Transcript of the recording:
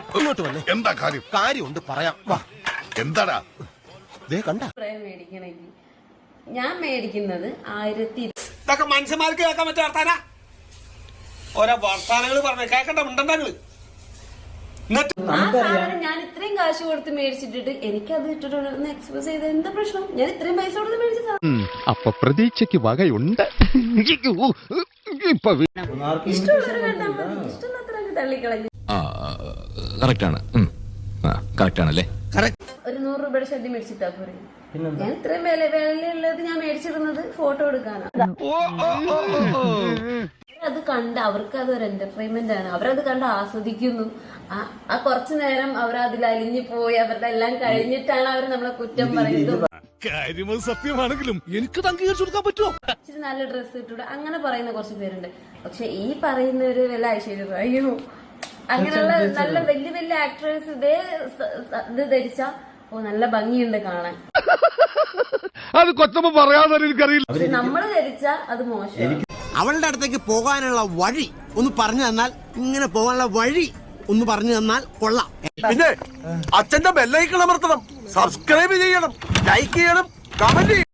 ഇങ്ങോട്ട് വന്നേ. എന്താ കാര്യം? കാര്യമുണ്ട് പറയാം. വാ. എന്താടാ? കണ്ട മേടിക്കണമെങ്കിൽ ഞാൻ മേടിക്കുന്നത് 1000. ഇതൊക്കെ മനുഷ്യന്മാർക്ക് കേൾക്കാൻ പറ്റിയ വർത്താന ഓരോ വർത്താനങ്ങൾ പറഞ്ഞ കേക്കണ്ട ഉണ്ടെങ്കിൽ ആ സാധനം ഞാൻ ഇത്രയും കാശ് കൊടുത്ത് മേടിച്ചിട്ടിട്ട് എനിക്കത് ഇട്ടിട്ട് എക്സ്പ്രസ് ചെയ്ത് എന്താ പ്രശ്നം? ഞാൻ ഇത്രയും പൈസ കൊടുത്ത് മേടിച്ച സാധനം അപ്പൊ പ്രതീക്ഷയ്ക്ക് വകയുണ്ട്. ഇഷ്ടമുള്ളവർ കണ്ടാൽ മതി, ഇഷ്ടമില്ലാത്തവരൊക്കെ തള്ളിക്കളഞ്ഞു. കറക്റ്റാണല്ലേ? ഒരു 100 രൂപയുടെ ഷെഡ് മേടിച്ചിട്ടാ പോരെ. ഞാൻ ഇത്രയും വിലയുള്ളത് ഞാൻ മേടിച്ചിരുന്നത് ഫോട്ടോ എടുക്കാനാണ്. അത് കണ്ട് അവർക്ക് അതൊരു എന്റർടൈൻമെന്റ് ആണ്. അവരത് കണ്ട് ആസ്വദിക്കുന്നു. ആ കുറച്ചു നേരം അവർ അതിൽ അലിഞ്ഞു പോയി അവരുടെ എല്ലാം കഴിഞ്ഞിട്ടാണ് അവർ നമ്മളെ കുറ്റം പറയുന്നത്. കാര്യം സത്യമാണെങ്കിലും എനിക്ക് അംഗീകരിച്ചു കൊടുക്കാൻ പറ്റുമോ? ഇച്ചിരി നല്ല ഡ്രസ്സ് ഇട്ടൂടെ അങ്ങനെ പറയുന്ന കുറച്ച് പേരുണ്ട്. പക്ഷെ ഈ പറയുന്നവര് വല്ല ഐശ്വര്യം അയ്യോ അങ്ങനെയുള്ള നല്ല വലിയ വലിയ ആക്ടേഴ്സ് ഇതേ ഇത് ധരിച്ച നല്ല ഭംഗിയുണ്ട് കാണാൻ. അത് കൊച്ചമ്മ പറയാതെ എനിക്കറിയില്ല. നമ്മള് ധരിച്ച അത് മോശം. അവളുടെ അടുത്തേക്ക് പോകാനുള്ള വഴി ഒന്ന് പറഞ്ഞു തന്നാൽ, ഇങ്ങനെ പോകാനുള്ള വഴി ഒന്ന് പറഞ്ഞു തന്നാൽ കൊള്ളാം. പിന്നെ അച്ഛന്റെ ബെല്ലൈക്കൺ അമർത്തണം, സബ്സ്ക്രൈബ് ചെയ്യണം, ലൈക്ക് ചെയ്യണം, കമന്റ് ചെയ്യണം.